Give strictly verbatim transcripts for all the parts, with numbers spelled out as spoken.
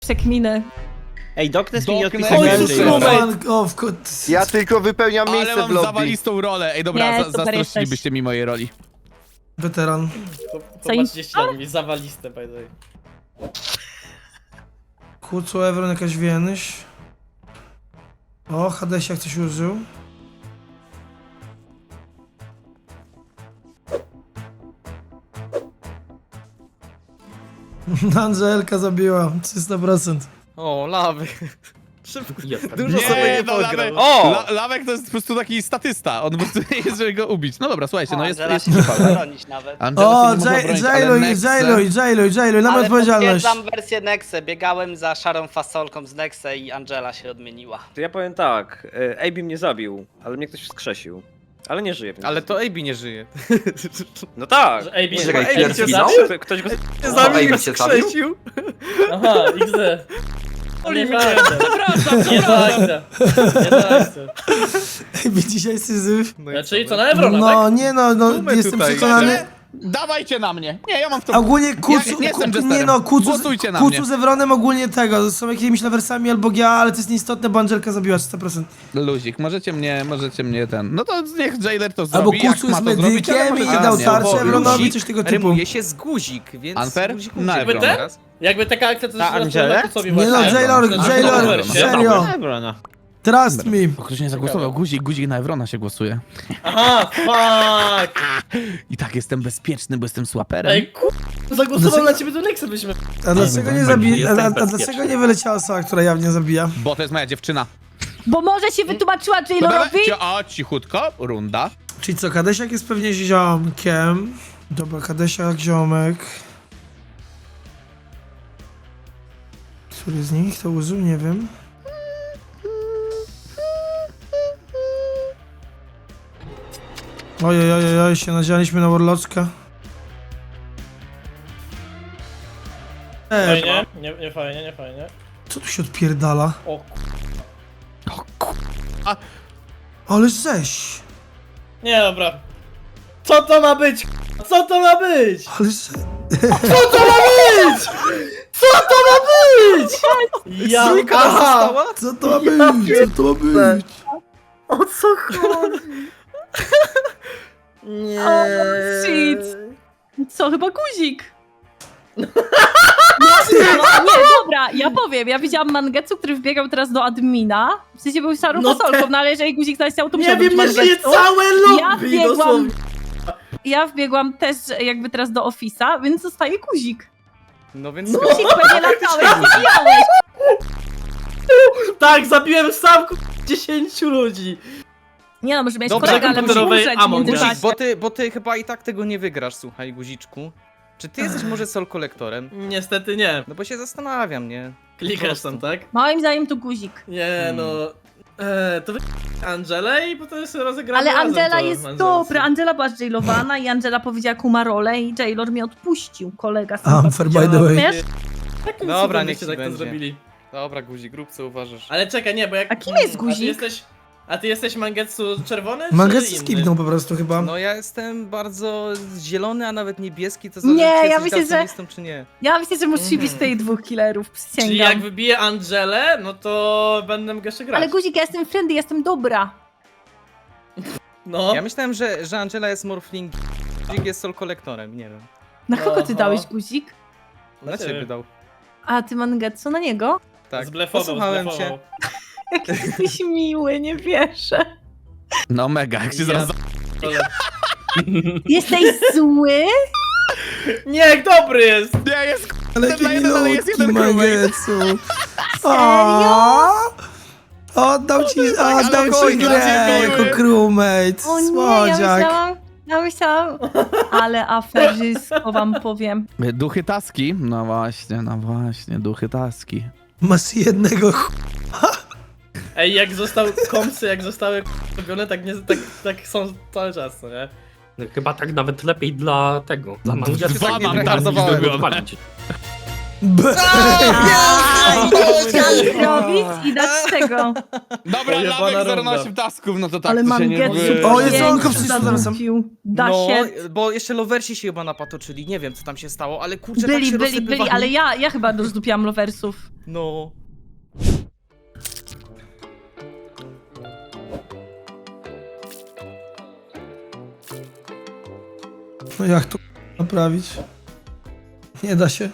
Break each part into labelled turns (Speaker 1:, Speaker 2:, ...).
Speaker 1: przekminę.
Speaker 2: Ej, Doknes mi nie
Speaker 3: Doknes.
Speaker 2: odpisał.
Speaker 3: Oj,
Speaker 2: Oj,
Speaker 3: Jezus,
Speaker 4: O, w kot...
Speaker 5: Ja tylko wypełniam
Speaker 3: Ale
Speaker 5: miejsce w
Speaker 3: mam
Speaker 5: lobby.
Speaker 3: zawalistą rolę. Ej, dobra,
Speaker 1: Nie,
Speaker 3: za,
Speaker 1: super
Speaker 3: zazdrościlibyście mi mojej roli.
Speaker 4: Weteran.
Speaker 6: Popatrzcie ślad mi, zawaliste, by the way.
Speaker 4: Kucu, Evron, jakaś więź. O, Hadesiak coś użył. Angelka zabiła, trzysta procent.
Speaker 7: O, lawy. Szybko. Dużo
Speaker 3: Nie,
Speaker 7: sobie nie
Speaker 3: no,
Speaker 7: pograł.
Speaker 3: Lawek,
Speaker 2: O!
Speaker 3: La, Lawek to jest po prostu taki statysta. On po prostu nie jest, żeby go ubić. No dobra, słuchajcie, no jest...
Speaker 2: Angela
Speaker 3: jest
Speaker 2: się nie może bronić nawet.
Speaker 3: Angela
Speaker 4: O,
Speaker 3: się nie może bronić, ale
Speaker 4: Jailuj,
Speaker 3: Nexe-
Speaker 4: Jailuj, Jailuj, Jailuj, na
Speaker 2: Ale
Speaker 4: odpowiedzialność.
Speaker 2: potwierdzam wersję Nexe. Biegałem za szarą fasolką z Nexe i Angela się odmieniła.
Speaker 8: To ja powiem tak, e, A B mnie zabił, ale mnie ktoś wskrzesił. Ale nie żyje. Więc...
Speaker 7: Ale to A B nie żyje.
Speaker 8: No tak!
Speaker 6: Że A B
Speaker 8: Nie,
Speaker 6: się
Speaker 8: czekaj,
Speaker 6: zabił?
Speaker 8: ktoś
Speaker 6: Cię
Speaker 8: go
Speaker 6: zabił?
Speaker 8: zabił? Ktoś go
Speaker 7: Nie
Speaker 8: zabił.
Speaker 7: zabił, skrzesił.
Speaker 6: Aha, X D. Oli mnie.
Speaker 3: Przepraszam,
Speaker 6: Nie to akcja. Nie to akcja.
Speaker 4: Ej, dzisiaj syzyf.
Speaker 7: No i
Speaker 6: Czyli
Speaker 7: co,
Speaker 6: co, na Evrona,
Speaker 4: No,
Speaker 6: tak?
Speaker 4: nie no, no
Speaker 7: Tumy
Speaker 4: jestem
Speaker 7: tutaj.
Speaker 4: przekonany.
Speaker 3: Dawajcie na mnie. Nie, ja mam w to...
Speaker 4: Ogólnie kucu,
Speaker 3: Ja nie jestem
Speaker 4: ku,
Speaker 3: jesterem.
Speaker 4: nie no, kucu,
Speaker 3: Głosujcie na
Speaker 4: kucu
Speaker 3: mnie.
Speaker 4: z Evronem ogólnie tego, są jakimiś lawersami albo G A, ale to jest nieistotne, bo Angelka zabiła trzysta procent.
Speaker 3: Luzik, możecie mnie, możecie mnie ten... No to niech Jailer to
Speaker 4: Albo
Speaker 3: zrobi, jak
Speaker 4: kucu
Speaker 3: ma
Speaker 4: z
Speaker 3: to zrobić, ale
Speaker 4: medykiem i
Speaker 3: możecie
Speaker 4: dał
Speaker 3: mnie.
Speaker 4: tarczę
Speaker 7: bo
Speaker 4: Evronowi,
Speaker 7: Luzik
Speaker 4: coś tego typu.
Speaker 7: Rymuje się z guzik, więc...
Speaker 3: Unfair?
Speaker 7: guzik
Speaker 3: Na
Speaker 7: guzik
Speaker 3: Evrona.
Speaker 7: będzie teraz.
Speaker 6: Jakby taka akcja to
Speaker 2: Na
Speaker 6: jest
Speaker 2: Angelę?
Speaker 6: kucowi
Speaker 4: Nie no,
Speaker 6: właśnie.
Speaker 4: Jailor,
Speaker 6: To jest
Speaker 4: Jailor,
Speaker 6: super, nie?
Speaker 4: serio.
Speaker 2: Evrona.
Speaker 4: Trust me.
Speaker 3: O, ktoś nie zagłosował, guzik, guzik na Evrona się głosuje.
Speaker 6: Aha, fuck!
Speaker 3: I tak jestem bezpieczny, bo jestem słaperem.
Speaker 6: Ej, ku... Zagłosował na ciebie do Nexa byśmy.
Speaker 4: A dlaczego nie zabija, a, a, a dlaczego nie wyleciała osoba, która jawnie zabija?
Speaker 3: Bo to jest moja dziewczyna.
Speaker 1: Bo może się wytłumaczyła
Speaker 3: Dobra,
Speaker 1: Jailorowi?
Speaker 3: ci- O, cichutko, runda.
Speaker 4: Czyli co, Kadesiak jest pewnie ziomkiem. Dobra, Kadesiak, ziomek. Który z nich to użył? Nie wiem. Ojej, ojej, ojej, się nadzialiśmy na Warloczka. Eee,
Speaker 6: Fajnie, nie, nie fajnie, nie fajnie.
Speaker 4: co tu się odpierdala?
Speaker 6: O ku...
Speaker 4: Ale żeś!
Speaker 6: Nie, dobra. Co to ma być? Co to ma być?
Speaker 4: Ale że...
Speaker 6: Co to ma być? Co to ma być? Ja...
Speaker 7: Trójka
Speaker 6: Aha!
Speaker 7: została?
Speaker 4: Co to ma być? Co to ma być?
Speaker 6: O co chodzi? Nie.
Speaker 1: O, shit. Co, chyba guzik? Nie, nie, dobra, ja powiem. Ja widziałam Mangetsu, który wbiegał teraz do admina. W sensie był szarą
Speaker 6: No
Speaker 1: fasolką,
Speaker 6: te-
Speaker 1: no ale jeżeli guzik zasiał, to
Speaker 6: Nie
Speaker 1: musiał
Speaker 6: wiem,
Speaker 1: być
Speaker 6: nie żyje
Speaker 1: Mangetsu.
Speaker 6: całe
Speaker 1: Ja
Speaker 6: lobby,
Speaker 1: wbiegłam,
Speaker 6: dosłownie.
Speaker 1: ja wbiegłam też jakby teraz do Office'a, więc zostaje guzik.
Speaker 7: No więc...
Speaker 1: Guzik pewnie latałeś, zabijałeś.
Speaker 6: Tak, zabiłem sam ku... dziesięciu ludzi.
Speaker 1: Nie no, może mieć
Speaker 7: Dobra,
Speaker 1: kolegę, ale musi
Speaker 6: komputerowej
Speaker 1: umrzeć w
Speaker 6: Among Us.
Speaker 7: Guzik,
Speaker 1: międzyczasie.
Speaker 7: bo ty, bo ty chyba i tak tego nie wygrasz, słuchaj, guziczku. Czy ty jesteś może Soul Collectorem?
Speaker 6: Niestety nie.
Speaker 7: No bo się zastanawiam, nie?
Speaker 6: Klikasz tam, tak?
Speaker 1: Moim zdaniem to guzik.
Speaker 6: Nie no... E, to wy... Angelę i potem sobie rozegramy
Speaker 1: Ale
Speaker 6: razem
Speaker 1: Angela
Speaker 6: to,
Speaker 1: jest
Speaker 6: Angelce.
Speaker 1: dobra. Angela była jailowana i Angela powiedziała kuma rolę i Jailor mnie odpuścił, kolega.
Speaker 4: Unfair by the way.
Speaker 1: Wiesz?
Speaker 6: Takim
Speaker 7: Dobra,
Speaker 6: cudem
Speaker 7: niech
Speaker 6: byście
Speaker 7: ci
Speaker 6: tak to
Speaker 7: będzie.
Speaker 6: zrobili.
Speaker 7: Dobra, guzik, rób co uważasz.
Speaker 6: Ale czekaj, nie, bo jak...
Speaker 1: A kim jest
Speaker 6: A ty
Speaker 1: guzik?
Speaker 6: jesteś... A ty jesteś Mangetsu czerwony, czy
Speaker 4: Mangetsu
Speaker 6: inny?
Speaker 4: skipnął po prostu chyba.
Speaker 7: No ja jestem bardzo zielony, a nawet niebieski, to
Speaker 1: Nie,
Speaker 7: zależy, czy
Speaker 1: ja
Speaker 7: jesteś
Speaker 1: myślę, że-
Speaker 7: daltonistą, czy nie.
Speaker 1: Ja myślę, że musi
Speaker 6: Mhm.
Speaker 1: być tej dwóch killerów,
Speaker 6: Czyli
Speaker 1: przysięgam.
Speaker 6: jak wybiję Angelę, no to będę mógł jeszcze grać.
Speaker 1: Ale guzik, ja jestem friendly, jestem dobra.
Speaker 6: No.
Speaker 7: Ja myślałem, że, że Angela jest morphling, guzik jest Soul Collectorem, nie wiem.
Speaker 1: Na kogo ty
Speaker 6: Aha.
Speaker 1: dałeś guzik?
Speaker 7: Na ciebie dał.
Speaker 1: A ty Mangetsu na niego?
Speaker 7: Tak,
Speaker 6: Zblefował,
Speaker 7: posłuchałem cię.
Speaker 6: zblefował.
Speaker 1: Jak jesteś miły, nie wierzę.
Speaker 3: No mega, jak się zaraz...
Speaker 6: Ale-
Speaker 1: Jesteś zły?
Speaker 6: Nie, jak dobry jest!
Speaker 3: Nie, jest k***,
Speaker 4: Ale
Speaker 3: dla
Speaker 4: jaki
Speaker 3: jeden, ale jest
Speaker 4: milutki
Speaker 3: jeden crewmate.
Speaker 4: Mangetsu.
Speaker 1: Serio?
Speaker 4: Oddał ci,
Speaker 3: ale
Speaker 4: oddał ci
Speaker 3: chuj,
Speaker 4: grę
Speaker 3: dla ciebie
Speaker 4: jako
Speaker 3: miły.
Speaker 4: crewmate.
Speaker 1: O nie, ja
Speaker 4: Słodziak.
Speaker 1: myślałam, ja myślałam, ale aferzysko wam powiem.
Speaker 3: Duchy taski? No właśnie, no właśnie, duchy taski.
Speaker 4: Masz jednego ch...
Speaker 6: Ej, jak został komsy, jak zostały robione, tak, nie, tak, tak są cały czas, co nie?
Speaker 9: No, chyba tak nawet lepiej dla tego. Dla
Speaker 3: Dwa
Speaker 9: Mangetsu
Speaker 3: mam
Speaker 9: niż
Speaker 3: tarnowałem.
Speaker 9: żeby odpalić.
Speaker 4: B.
Speaker 1: Aj, chciałam zrobić i dać tego.
Speaker 3: Dobra,
Speaker 6: Pojebana
Speaker 3: Lawek zero
Speaker 6: runda.
Speaker 3: na osiem tasków, no to tak,
Speaker 1: Ale
Speaker 3: to się nie
Speaker 1: Mangetsu
Speaker 3: wy-
Speaker 4: O, jest
Speaker 1: pięć
Speaker 4: onko, wszyscy zaraz są.
Speaker 1: zarzucił. Da
Speaker 7: No,
Speaker 1: się.
Speaker 7: bo jeszcze lowersi się chyba napatoczyli, nie wiem co tam się stało, ale kurczę, tak
Speaker 1: Byli,
Speaker 7: się
Speaker 1: byli, byli,
Speaker 7: rozsypywali.
Speaker 1: ale ja, ja chyba rozdupiłam loversów.
Speaker 7: No.
Speaker 4: No jak to naprawić? Nie da się.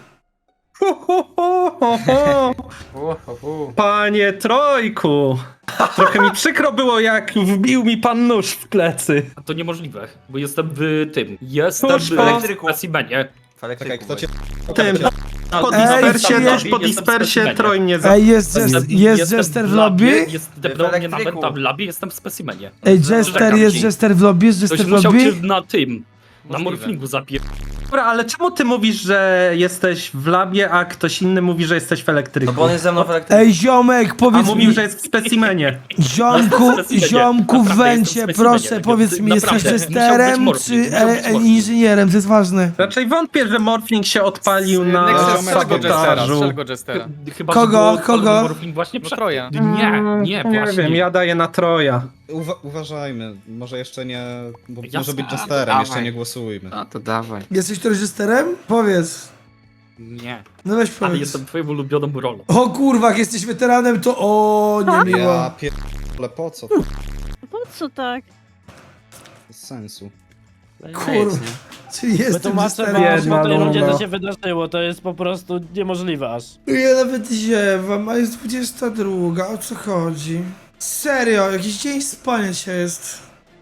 Speaker 5: Panie Trojku! Trochę mi przykro było, jak wbił mi pan nóż w plecy.
Speaker 9: A to niemożliwe, bo jestem w tym. Jestem
Speaker 5: Cóż,
Speaker 9: w
Speaker 5: po-
Speaker 9: elektryku. specimenie.
Speaker 10: Czekaj, kto cię...
Speaker 5: Tym, po
Speaker 4: Ej,
Speaker 5: dispersie,
Speaker 4: jestem-
Speaker 5: tuż po dispersie Troj mnie za...
Speaker 4: Ej, jest, jest,
Speaker 9: Jestem-
Speaker 4: jest
Speaker 9: jestem
Speaker 4: Jester w
Speaker 9: labie,
Speaker 4: lobby?
Speaker 9: Jest depnął mnie na meta w labie, jestem w specimenie.
Speaker 4: Ej, Jester,
Speaker 9: Czekam
Speaker 4: jest
Speaker 9: ci.
Speaker 4: Jester w lobby? Jest
Speaker 9: Ktoś
Speaker 4: Jester w
Speaker 9: musiał
Speaker 4: lobby?
Speaker 9: cię na tym, na
Speaker 7: Możliwe.
Speaker 9: morflingu zapier...
Speaker 5: Dobra, ale czemu ty mówisz, że jesteś w labie, a ktoś inny mówi, że jesteś w elektryku?
Speaker 10: Bo on jest ze mną w elektryku.
Speaker 4: Ej, ziomek,
Speaker 5: A
Speaker 4: powiedz
Speaker 5: mówił,
Speaker 4: mi,
Speaker 5: że jest w specimenie.
Speaker 4: ziomku,
Speaker 9: Jestem w specimenie.
Speaker 4: ziomku w
Speaker 9: Naprawdę,
Speaker 4: węcie,
Speaker 9: jestem w
Speaker 4: proszę,
Speaker 9: specimenie.
Speaker 4: powiedz mi, jesteś
Speaker 9: Naprawdę. Musiał być
Speaker 4: Jesterem
Speaker 9: morfling,
Speaker 4: czy
Speaker 9: musiał być
Speaker 4: e, e,
Speaker 9: morfling.
Speaker 4: inżynierem? To jest ważne.
Speaker 5: Raczej wątpię, że Morphling się odpalił na
Speaker 7: Nexus, strzel go Jestera,
Speaker 5: sabotażu.
Speaker 7: strzel go Jestera.
Speaker 9: Chyba,
Speaker 4: Kogo?
Speaker 9: że było
Speaker 4: Kogo?
Speaker 9: morfling właśnie
Speaker 7: No
Speaker 9: przed...
Speaker 7: Troja.
Speaker 9: Nie, nie,
Speaker 5: Nie
Speaker 9: właśnie.
Speaker 5: wiem, ja daję na Troja.
Speaker 10: Uwa uważajmy, może jeszcze nie... Bo
Speaker 9: Jasne.
Speaker 10: może być
Speaker 9: A,
Speaker 10: Jesterem,
Speaker 9: dawaj.
Speaker 10: jeszcze nie głosujmy.
Speaker 7: A to dawaj.
Speaker 4: Jesteś któryś Jesterem? Powiedz.
Speaker 9: Nie,
Speaker 4: No weź
Speaker 9: ale
Speaker 4: powiedz.
Speaker 9: jestem twoją ulubioną rolą.
Speaker 4: O kurwa, jak jesteś weteranem, to o niemiło.
Speaker 10: Ja pier... Ale po co?
Speaker 1: Po co tak?
Speaker 10: Bez sensu.
Speaker 4: Kurwa. Czyli jestem
Speaker 6: Wytłumaczę
Speaker 4: Jesterem.
Speaker 6: wam
Speaker 5: Jedna
Speaker 6: po tej rundzie,
Speaker 5: runda.
Speaker 6: co się wydarzyło, to jest po prostu niemożliwe aż.
Speaker 4: Ja nawet ziewam, a jest dwudziesta druga, o co chodzi? Serio, jakiś dzień spania się jest.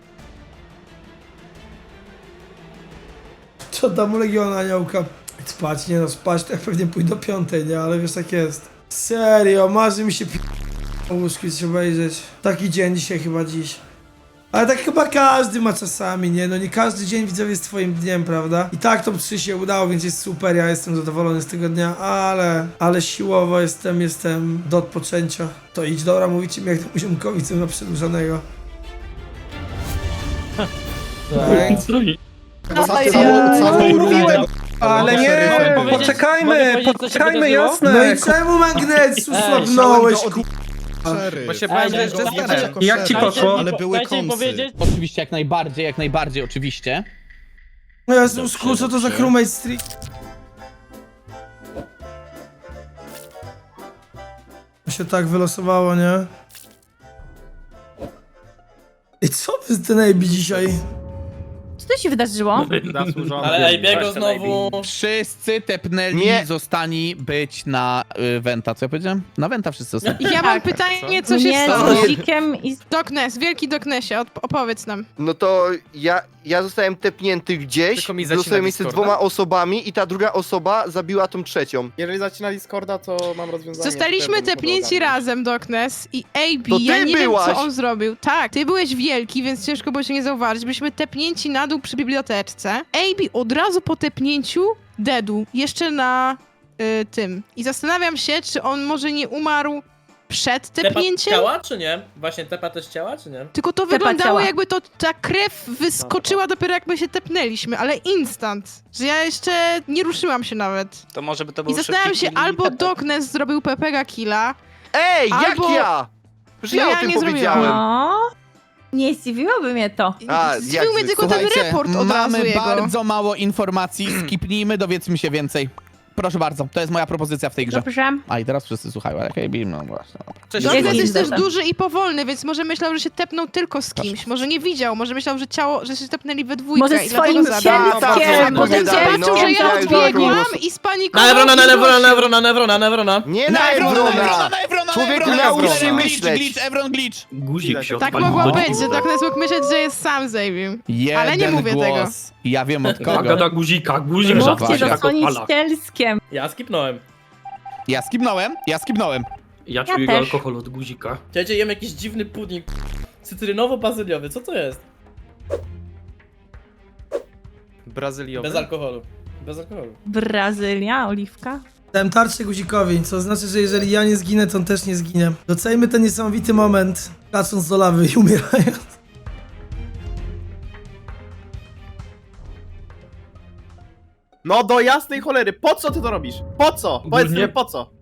Speaker 4: Co tam u Legiona Aniołka? Spać, nie no, spać to ja pewnie pójdę do piątej, nie? Ale wiesz, tak jest. Serio, marzy mi się p... o łóżku coś obejrzeć. Taki dzień dzisiaj chyba dziś. Ale tak chyba każdy ma czasami, nie? No nie każdy dzień widzowie jest twoim dniem, prawda? I tak top trzy się udało, więc jest super, ja jestem zadowolony z tego dnia, ale... Ale siłowo jestem, jestem do odpoczęcia. To idź, dobra, mówicie mi jak temu ziomkowi, co ma przedłużonego.
Speaker 10: Całą, całą rundę...
Speaker 5: Ale nie,
Speaker 6: Mogę powiedzieć- mogę
Speaker 5: poczekajmy,
Speaker 6: powiedzieć, co się
Speaker 5: poczekajmy,
Speaker 6: wydarzyło?
Speaker 5: jasne.
Speaker 4: No i czemu Magnetsu słabnąłeś, ku...
Speaker 10: Szeryf.
Speaker 7: Bo się
Speaker 6: Ej,
Speaker 7: bałem, że
Speaker 6: nie,
Speaker 7: jest
Speaker 6: nie,
Speaker 7: Jesterem.
Speaker 10: nie,
Speaker 5: Jak ci
Speaker 10: nie,
Speaker 5: poszło?
Speaker 10: Ale były
Speaker 6: Dajcie mi
Speaker 10: kąsy.
Speaker 6: powiedzieć.
Speaker 3: Oczywiście, jak najbardziej, jak najbardziej, oczywiście.
Speaker 4: No ja Zusku, co to za crewmate streak? To się tak wylosowało, nie? I co wy z ten A B dzisiaj?
Speaker 1: Co to się wydarzyło?
Speaker 6: Ale ej, biego znowu...
Speaker 3: Wszyscy tepnęli,
Speaker 11: Nie.
Speaker 3: zostali być na y, Wenta. Co ja powiedziałem? Na Wenta wszyscy zostali.
Speaker 12: Ja mam pytanie, co się
Speaker 1: Nie,
Speaker 12: stało?
Speaker 1: z guzikiem i z...
Speaker 12: Doknes, wielki Doknesie, op- opowiedz nam.
Speaker 11: No to ja, ja zostałem tepnięty gdzieś,
Speaker 7: Tylko mi zacina
Speaker 11: zostałem miejsce z
Speaker 7: Discorda.
Speaker 11: dwoma osobami i ta druga osoba zabiła tą trzecią.
Speaker 10: Jeżeli zacina Discorda, to mam rozwiązanie.
Speaker 12: Zostaliśmy tepnięci razem, Doknes, i A B,
Speaker 11: To ty
Speaker 12: ja nie
Speaker 11: byłaś!
Speaker 12: wiem, co on zrobił. Tak, ty byłeś wielki, więc ciężko było się nie zauważyć. Byliśmy tepnięci na dół przy biblioteczce. A B od razu po tepnięciu dedu, jeszcze na y, tym. I zastanawiam się, czy on może nie umarł przed
Speaker 6: Tepa
Speaker 12: tepnięciem?
Speaker 6: ciała, czy nie? Właśnie tepa też ciała, czy nie?
Speaker 12: Tylko to
Speaker 1: Tepa
Speaker 12: wyglądało
Speaker 1: ciała.
Speaker 12: jakby to ta krew wyskoczyła dopiero jak my się tepnęliśmy, ale instant. Że ja jeszcze nie ruszyłam się nawet.
Speaker 2: To może by to był
Speaker 12: I zastanawiam
Speaker 2: szybki
Speaker 12: się,
Speaker 2: kill i
Speaker 12: albo
Speaker 2: tepek.
Speaker 12: Doknes zrobił Pepega Killa.
Speaker 11: Ej,
Speaker 12: Albo-
Speaker 11: jak ja? Już
Speaker 12: No
Speaker 11: ja,
Speaker 12: ja
Speaker 11: o tym
Speaker 12: nie zrobiłam.
Speaker 11: powiedziałem.
Speaker 1: No, nie zdziwiłoby mnie to.
Speaker 11: A,
Speaker 12: Zdziwił
Speaker 11: jak
Speaker 12: mnie
Speaker 11: wy-
Speaker 12: tylko ten
Speaker 3: Słuchajcie,
Speaker 12: report od razu
Speaker 3: mamy
Speaker 12: jego.
Speaker 3: bardzo mało informacji, skipnijmy, dowiedzmy się więcej. Proszę bardzo, to jest moja propozycja w tej grze.
Speaker 1: Dobrze.
Speaker 3: A i teraz wszyscy słuchają, ale hej, Bim, no właśnie. dobra.
Speaker 7: Cześć,
Speaker 1: Doknes
Speaker 12: Doknes
Speaker 1: jest
Speaker 12: jest też
Speaker 1: dobra.
Speaker 12: duży i powolny, więc może myślał, że się tepnął tylko z kimś. Może nie widział, może myślał, że ciało, że się tepnęli we dwójkę
Speaker 1: Może
Speaker 12: i
Speaker 1: swoim
Speaker 12: dlatego zabił.
Speaker 1: cielskiem,
Speaker 11: A
Speaker 1: może
Speaker 11: potem
Speaker 12: Zobaczył,
Speaker 11: no,
Speaker 12: że ja
Speaker 11: ja już
Speaker 12: odbiegłam
Speaker 11: taką-
Speaker 12: i
Speaker 6: Na
Speaker 12: spanikował
Speaker 6: Evrona,
Speaker 12: i
Speaker 6: na Evrona,
Speaker 12: zgłosił.
Speaker 6: na Evrona, na Evrona, na Evrona.
Speaker 11: Nie
Speaker 3: Na
Speaker 11: na
Speaker 3: Evrona,
Speaker 11: Evrona!
Speaker 3: na Evrona,
Speaker 11: Człowieku,
Speaker 3: na
Speaker 11: naucz
Speaker 3: Evrona,
Speaker 11: się
Speaker 3: Evron
Speaker 11: myśleć.
Speaker 3: glitch, Evron glitch.
Speaker 9: Guzik się
Speaker 12: Tak
Speaker 9: odpalił
Speaker 12: mogło
Speaker 9: do
Speaker 12: być,
Speaker 9: dziury.
Speaker 12: że Doknes mógł myśleć, że jest sam Zabim.
Speaker 3: Jeden
Speaker 12: Ale nie mówię
Speaker 3: głos.
Speaker 12: tego.
Speaker 3: Ja wiem od
Speaker 9: Uwaga
Speaker 3: kogo.
Speaker 9: na guzika, guzik
Speaker 1: Mówcie,
Speaker 9: rzadko się tak
Speaker 1: zasłonić
Speaker 9: odpala.
Speaker 1: cielskiem.
Speaker 6: Ja skipnąłem.
Speaker 3: Ja skipnąłem, ja skipnąłem.
Speaker 9: Ja
Speaker 1: Ja
Speaker 9: czuję
Speaker 1: też.
Speaker 9: alkohol od guzika.
Speaker 6: Słuchajcie, jem jakiś dziwny pudding cytrynowo-bazyliowy, co to jest?
Speaker 7: Brazyliowy.
Speaker 6: Bez alkoholu. Bez alkoholu.
Speaker 1: Brazylia, oliwka.
Speaker 4: Dałem tarczę guzikowi, co znaczy, że jeżeli ja nie zginę, to on też nie zginie. Docejmy ten niesamowity moment, skacząc do lawy i umierając.
Speaker 10: No do jasnej cholery, po co ty to robisz? Po co? Powiedz
Speaker 9: Ogólnie-
Speaker 10: mi, po co?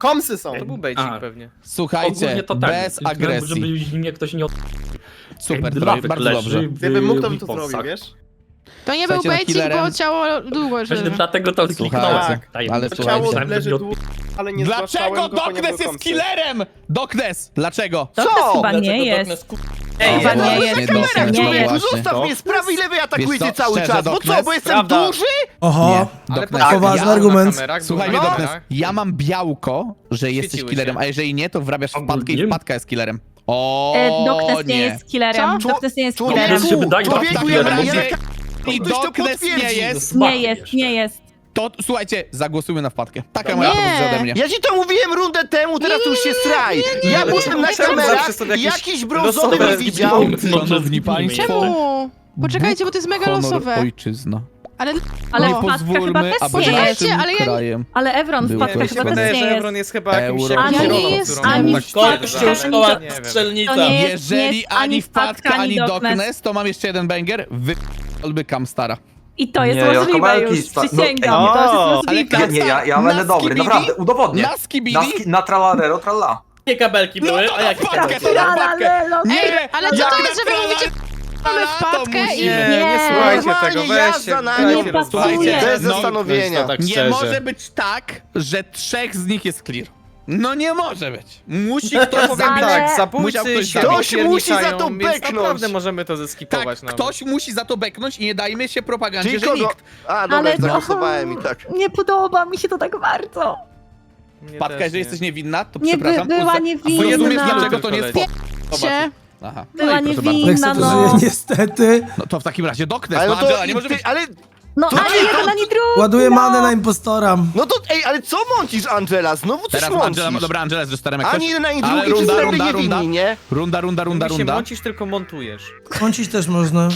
Speaker 10: Komsy są.
Speaker 7: To był bejcik
Speaker 9: A.
Speaker 7: pewnie.
Speaker 3: Słuchajcie,
Speaker 9: Ogólnie to tak.
Speaker 3: bez
Speaker 9: tylko
Speaker 3: agresji.
Speaker 9: Żeby mnie ktoś nie od...
Speaker 3: Super,
Speaker 9: Jak
Speaker 3: to
Speaker 9: Drawek
Speaker 3: bardzo
Speaker 9: leży
Speaker 3: dobrze.
Speaker 9: w
Speaker 10: Gdybym mógł, to bym to
Speaker 9: Weeponsach.
Speaker 10: zrobił, wiesz?
Speaker 12: To nie był
Speaker 3: Słuchajcie, no,
Speaker 12: bejcik, bo
Speaker 3: killerem-
Speaker 12: ciało długo żyje.
Speaker 9: Właśnie dlatego to kliknąłem.
Speaker 3: Słuchajcie,
Speaker 9: Daj,
Speaker 3: ale
Speaker 9: to
Speaker 3: słuchajcie.
Speaker 10: Ciało
Speaker 9: myślałem, że
Speaker 10: leży
Speaker 9: nie od-
Speaker 10: długo, ale nie
Speaker 3: Dlaczego
Speaker 10: zgłaszałem go,
Speaker 3: Doknes
Speaker 10: ponieważ
Speaker 3: jest
Speaker 10: komsy.
Speaker 3: killerem? Doknes, dlaczego?
Speaker 1: To
Speaker 2: Co?
Speaker 1: chyba
Speaker 6: Dlaczego
Speaker 1: nie jest.
Speaker 6: Darkness, ku-
Speaker 2: Ej,
Speaker 1: Chyba
Speaker 3: No
Speaker 1: nie
Speaker 3: właśnie,
Speaker 1: jest.
Speaker 3: Doknes,
Speaker 1: Nie
Speaker 3: no
Speaker 1: jest.
Speaker 3: właśnie.
Speaker 11: Zostaw mnie, z prawej i lewej atakujecie
Speaker 3: Wiesz co,
Speaker 11: cały
Speaker 3: szczerze,
Speaker 11: czas. Bo co,
Speaker 3: Doknes?
Speaker 11: bo jestem
Speaker 2: Prawda.
Speaker 11: duży?
Speaker 4: Oho,
Speaker 3: Nie,
Speaker 7: Ale
Speaker 3: Doknes.
Speaker 7: tak,
Speaker 4: Poważny
Speaker 7: ja-
Speaker 4: argument.
Speaker 7: na kamerach,
Speaker 3: Słuchaj
Speaker 7: było
Speaker 3: mnie,
Speaker 7: na
Speaker 3: Doknes,
Speaker 7: kamerach.
Speaker 3: ja mam białko, że jesteś
Speaker 7: Świeciły
Speaker 3: killerem,
Speaker 7: się.
Speaker 3: a jeżeli nie, to wrabiasz wpadkę i
Speaker 9: Ogólnie-
Speaker 3: wpadka jest killerem. O,
Speaker 1: E, Doknes nie
Speaker 3: nie.
Speaker 1: jest killerem.
Speaker 11: Co?
Speaker 1: Doknes nie jest
Speaker 11: Człowieku,
Speaker 1: killerem.
Speaker 9: Doknes się wydaje
Speaker 11: człowieku,
Speaker 9: taki
Speaker 11: ja-
Speaker 9: killerem,
Speaker 11: ja-
Speaker 9: bo-
Speaker 11: ja-
Speaker 3: I
Speaker 11: Ktoś to
Speaker 3: Doknes nie
Speaker 11: potwierdzi.
Speaker 3: jest,
Speaker 1: Nie jest, nie jest.
Speaker 3: to słuchajcie, zagłosujmy na wpadkę. Taka moja
Speaker 12: Nie.
Speaker 3: propozycja ode mnie.
Speaker 11: Ja ci to mówiłem rundę temu, teraz to już się straj. Ja
Speaker 7: ale
Speaker 11: byłem na
Speaker 7: czemu
Speaker 11: kamerach
Speaker 7: zawsze są
Speaker 11: i
Speaker 7: jakieś
Speaker 11: jakiś brązowy
Speaker 7: losowe
Speaker 11: mnie widział.
Speaker 3: Szanowni państwo,
Speaker 12: Czemu? Poczekajcie, bo to jest mega
Speaker 3: honor
Speaker 12: losowe.
Speaker 3: ojczyzna.
Speaker 12: Ale,
Speaker 1: Ale
Speaker 3: Nie
Speaker 12: no.
Speaker 1: wpadka chyba
Speaker 3: pozwólmy,
Speaker 1: też
Speaker 3: aby
Speaker 1: nie jest.
Speaker 12: Poczekajcie,
Speaker 3: naszym
Speaker 12: ale ja-
Speaker 3: krajem
Speaker 1: Ale Evron,
Speaker 3: Był
Speaker 1: wpadka
Speaker 3: ktoś
Speaker 1: chyba
Speaker 7: Mi się
Speaker 1: też
Speaker 7: wydaje,
Speaker 1: nie
Speaker 7: że
Speaker 1: jest.
Speaker 7: Evron jest chyba jakimś
Speaker 3: Euro.
Speaker 7: jakąś
Speaker 1: Ani
Speaker 7: kierowcą,
Speaker 12: jest,
Speaker 7: którą
Speaker 12: ani
Speaker 7: tak
Speaker 1: wpadka,
Speaker 7: stwierdza, ale
Speaker 6: szkoła
Speaker 7: nie wiem.
Speaker 6: strzelnica.
Speaker 1: To nie jest-
Speaker 3: Jeżeli ani
Speaker 1: ani
Speaker 3: wpadka,
Speaker 1: wpadka,
Speaker 3: ani
Speaker 1: ani Doknes.
Speaker 3: Doknes, to mam jeszcze jeden banger. Wy... Olby Kamstara.
Speaker 1: I to jest
Speaker 13: Nie, ja
Speaker 1: możliwe
Speaker 13: Kowalski
Speaker 1: już,
Speaker 13: sta- no,
Speaker 1: przysięgam,
Speaker 10: ej,
Speaker 1: to już
Speaker 10: o,
Speaker 1: jest
Speaker 3: ale
Speaker 1: możliwe.
Speaker 3: Kamstar
Speaker 13: Nie, ja, ja
Speaker 3: na
Speaker 13: będę dobry,
Speaker 3: skibidi?
Speaker 13: naprawdę, udowodnię.
Speaker 3: Na
Speaker 13: Na,
Speaker 3: skibidi?
Speaker 13: ski- na tralarero, tralla.
Speaker 6: Jakie kabelki
Speaker 3: No
Speaker 6: były?
Speaker 3: to
Speaker 6: A
Speaker 3: na
Speaker 6: jakie
Speaker 3: wpadkę,
Speaker 6: kabelki?
Speaker 3: to na wpadkę. Nie,
Speaker 12: ale co
Speaker 3: jak
Speaker 12: to
Speaker 3: na
Speaker 12: jest, że wy
Speaker 3: trala-
Speaker 12: mówicie, mamy
Speaker 3: trala, to
Speaker 12: wpadkę i-
Speaker 3: musimy.
Speaker 7: Nie, nie
Speaker 1: Nie.
Speaker 7: słuchajcie
Speaker 11: Normalnie
Speaker 7: tego,
Speaker 11: jazda
Speaker 7: weźcie,
Speaker 11: na
Speaker 7: dajcie
Speaker 1: nie
Speaker 7: rozmawiać.
Speaker 1: pasuje.
Speaker 11: Bez
Speaker 3: no,
Speaker 11: zastanowienia.
Speaker 10: tak
Speaker 3: Nie
Speaker 10: szczerze.
Speaker 3: może być tak, że trzech z nich jest clear. No nie może być. Musi ktoś
Speaker 7: Powiem
Speaker 1: Ale-
Speaker 7: tak,
Speaker 3: Musiał
Speaker 7: zabójcy
Speaker 3: ktoś
Speaker 7: się
Speaker 11: Ktoś musi za
Speaker 7: pierniczają,
Speaker 11: to
Speaker 7: więc
Speaker 11: beknąć.
Speaker 7: naprawdę możemy to zeskipować
Speaker 3: Tak,
Speaker 7: nawet.
Speaker 3: ktoś musi za to beknąć i nie dajmy się propagandzie,
Speaker 11: Czyli
Speaker 3: że
Speaker 11: kogo?
Speaker 3: nikt.
Speaker 11: A, dobra,
Speaker 1: Ale-
Speaker 11: zagłosowałem i tak.
Speaker 1: Nie podoba mi się to tak bardzo.
Speaker 7: Mnie
Speaker 3: Wpadka,
Speaker 7: też
Speaker 3: jeżeli
Speaker 7: nie.
Speaker 3: jesteś niewinna, to
Speaker 1: Nie by,
Speaker 3: przepraszam.
Speaker 1: była
Speaker 3: Uzna-
Speaker 1: niewinna.
Speaker 3: Rozumiesz,
Speaker 7: Jedna.
Speaker 3: dlaczego to nie jest
Speaker 7: Tylko
Speaker 3: fo-
Speaker 12: Się.
Speaker 3: Aha.
Speaker 1: Była
Speaker 3: i proszę bardzo.
Speaker 1: niewinna.
Speaker 4: Nexa to
Speaker 1: no.
Speaker 4: żyje niestety.
Speaker 3: No to w takim razie Doknes,
Speaker 11: Ale
Speaker 3: no
Speaker 11: no to,
Speaker 3: Angela, nie może
Speaker 11: ty,
Speaker 3: być...
Speaker 11: ale,
Speaker 1: No
Speaker 11: To
Speaker 1: ani
Speaker 11: nie, to-
Speaker 1: jeden, ani drugi.
Speaker 4: Ładuję
Speaker 1: no.
Speaker 4: manę na impostora.
Speaker 11: no to, ej, ale co mącisz, Angela? Znowu coś
Speaker 3: Teraz
Speaker 11: mącisz.
Speaker 3: Angela, dobra, Angela jest rzeczterem jak
Speaker 11: Ani
Speaker 3: coś.
Speaker 11: jeden, ani
Speaker 3: Ale
Speaker 11: drugi,
Speaker 3: runda,
Speaker 11: wszyscy
Speaker 3: runda,
Speaker 11: niewinni,
Speaker 3: runda.
Speaker 11: nie?
Speaker 3: Runda, runda, runda,
Speaker 7: Mówi się
Speaker 3: runda.
Speaker 7: mącisz, tylko montujesz.
Speaker 4: Mącić też można.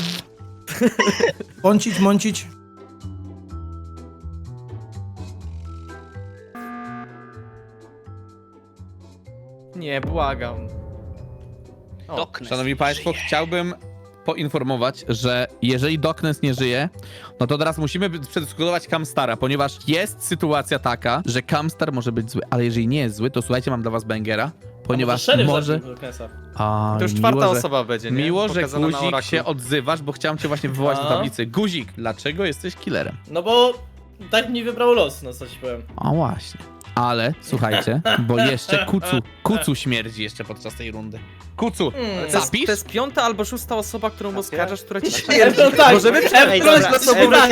Speaker 4: Mącić, mącić.
Speaker 7: Nie, błagam. O,
Speaker 2: Doknes.
Speaker 3: Szanowni Państwo,
Speaker 2: żyje.
Speaker 3: chciałbym poinformować, że jeżeli Doknes nie żyje, no to teraz musimy przedyskutować Kamstara, ponieważ jest sytuacja taka, że Kamstar może być zły, ale jeżeli nie jest zły, to słuchajcie, mam dla was bangera, ponieważ
Speaker 6: Szeryf
Speaker 3: może...
Speaker 6: zabił Doknesa.
Speaker 3: A,
Speaker 7: To już czwarta
Speaker 3: miło, że-
Speaker 7: osoba będzie, nie?
Speaker 3: Miło, że
Speaker 7: Pokazana na
Speaker 3: Guzik
Speaker 7: oraklu.
Speaker 3: się odzywasz, bo chciałem cię właśnie wywołać do
Speaker 6: No.
Speaker 3: tablicy. Guzik, dlaczego jesteś killerem?
Speaker 6: No bo tak mi wybrał los, no co ci powiem.
Speaker 3: A właśnie. Ale, słuchajcie, bo jeszcze Kucu, Kucu śmierdzi jeszcze podczas tej rundy. Kucu,
Speaker 6: Hmm.
Speaker 7: To jest,
Speaker 3: zapisz?
Speaker 7: to jest piąta albo szósta osoba, którą oskarżasz, która ci
Speaker 6: Efron tak,
Speaker 7: Możemy
Speaker 6: Efron
Speaker 7: przejść
Speaker 6: na co pytanie.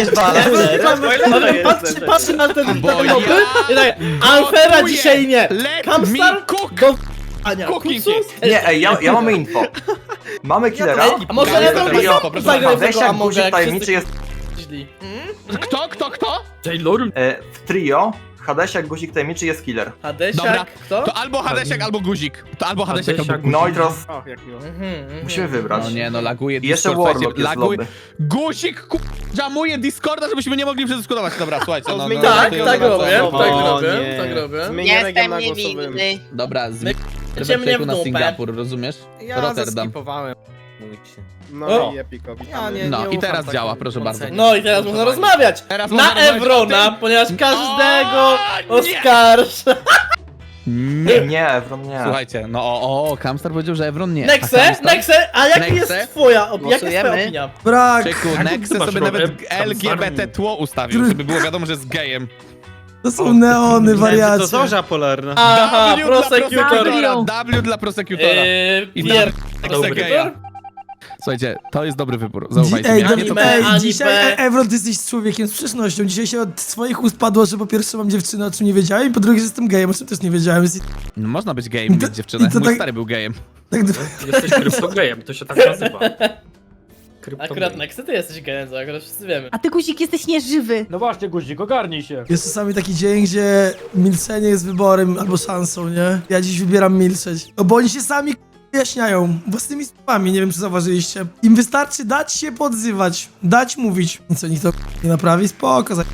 Speaker 6: Patrzy patrzy na ten
Speaker 3: Bo ja
Speaker 6: mopy i tak, Alfera
Speaker 3: gotuję.
Speaker 6: dzisiaj nie.
Speaker 3: Let
Speaker 6: Kamstar
Speaker 3: me cook!
Speaker 6: do Ania,
Speaker 3: Cooking
Speaker 6: Kucu?
Speaker 3: jest.
Speaker 13: Nie, ej, ja, ja mamy info. Mamy killera.
Speaker 6: Ej, a może ja to
Speaker 3: Trio,
Speaker 6: sam
Speaker 3: proszę
Speaker 6: zagraj w tego
Speaker 13: Hadesiak,
Speaker 6: Amoga,
Speaker 13: Guzik
Speaker 6: jak
Speaker 13: tajemniczy
Speaker 6: wszyscy
Speaker 13: jest
Speaker 6: źli.
Speaker 3: Kto, kto, kto?
Speaker 9: Taylor?
Speaker 13: e, w trio. Hadesiak, Guzik tajemniczy jest killer.
Speaker 3: Dobra,
Speaker 6: Hadesiak, kto?
Speaker 3: To albo Hadesiak, albo Guzik. To albo Hadesiak, albo
Speaker 9: Hadesiak,
Speaker 3: Guzik.
Speaker 13: No i teraz
Speaker 10: O, jak miło.
Speaker 6: Mhm, mhm.
Speaker 13: musimy wybrać.
Speaker 3: No nie, no laguje
Speaker 13: I jeszcze
Speaker 3: Discord,
Speaker 13: Warlock
Speaker 3: słuchajcie,
Speaker 13: jest
Speaker 3: laguje.
Speaker 13: lobby.
Speaker 3: Guzik ku... jamuje Discorda, żebyśmy nie mogli przedyskutować. Dobra, słuchajcie, no, no, no,
Speaker 6: Tak,
Speaker 3: no,
Speaker 6: tak
Speaker 3: no, no,
Speaker 6: robię,
Speaker 3: no,
Speaker 6: tak
Speaker 3: no.
Speaker 6: robię,
Speaker 10: nie.
Speaker 6: tak robię.
Speaker 10: Zmieniamy go na głosowym.
Speaker 3: Dobra, z...
Speaker 6: Idziemy
Speaker 3: Przejku
Speaker 6: w
Speaker 3: na
Speaker 6: dupę.
Speaker 3: Singapur, rozumiesz?
Speaker 7: Ja
Speaker 3: Rotterdam.
Speaker 7: zeskipowałem. Mójcie.
Speaker 10: No
Speaker 6: O.
Speaker 10: i Epiko,
Speaker 7: Ja
Speaker 10: witamy.
Speaker 7: nie,
Speaker 3: No,
Speaker 7: nie
Speaker 3: i
Speaker 7: ufam
Speaker 3: teraz
Speaker 7: takim
Speaker 3: działa, proszę bardzo.
Speaker 7: oceniom.
Speaker 6: No i teraz można rozmawiać.
Speaker 3: Teraz
Speaker 6: Na
Speaker 3: można rozmawiać
Speaker 6: Evrona,
Speaker 3: o tym-
Speaker 6: ponieważ każdego
Speaker 3: O, nie!
Speaker 6: oskarża.
Speaker 3: Nie.
Speaker 13: Nie, Evron nie.
Speaker 3: Słuchajcie, no o, o, Kamstar powiedział, że Evron nie. A
Speaker 6: Nexe,
Speaker 3: Kamstar?
Speaker 6: Nexe, a jaka
Speaker 3: Nexe?
Speaker 6: jest twoja opinia? Jaka jest twoja
Speaker 2: Głosujemy.
Speaker 6: opinia?
Speaker 4: Brak.
Speaker 3: Czeku,
Speaker 9: Jak
Speaker 3: Nexe
Speaker 9: ty masz
Speaker 3: sobie
Speaker 9: problem?
Speaker 3: nawet L G B T tło ustawił, żeby było wiadomo, że jest gejem.
Speaker 4: To są neony, wariacie.
Speaker 10: To zorza polarna.
Speaker 6: Aha,
Speaker 3: W dla
Speaker 6: prosecutor.
Speaker 3: prosecutora, W dla prosecutora.
Speaker 6: Eee,
Speaker 3: I
Speaker 6: pier...
Speaker 3: Nexe
Speaker 6: prosecutor?
Speaker 3: geja. Słuchajcie, to jest dobry wybór, zaufajcie
Speaker 4: Ej,
Speaker 3: mi.
Speaker 4: do,
Speaker 3: Ja nie to...
Speaker 6: anime,
Speaker 4: ej,
Speaker 6: anime.
Speaker 4: dzisiaj, e, Evron, ty jesteś człowiekiem z przeszłością. Dzisiaj się od swoich ust padło, że po pierwsze mam dziewczynę, o czym nie wiedziałem, i po drugie, że jestem gejem, o czym też nie wiedziałem. Jest,
Speaker 3: No, można być gejem i
Speaker 4: I to-
Speaker 3: mieć dziewczynę.
Speaker 4: i to
Speaker 3: Mój
Speaker 4: tak-
Speaker 3: stary był gejem.
Speaker 4: tak,
Speaker 9: Jesteś kryptogejem, to się tak nazywa. Kryptogejem.
Speaker 6: Akurat Nexe, ty jesteś gejem, to akurat wszyscy wiemy.
Speaker 1: A ty, Guzik, jesteś nieżywy.
Speaker 9: No właśnie, Guzik, ogarnij się.
Speaker 4: jest czasami taki dzień, gdzie milczenie jest wyborem albo szansą, nie? Ja dziś wybieram milczeć. No bo oni się sami wyjaśniają własnymi słowami, nie wiem czy zauważyliście. Im wystarczy dać się podzywać, dać mówić. I co, nikt to nie naprawi? Spoko, za...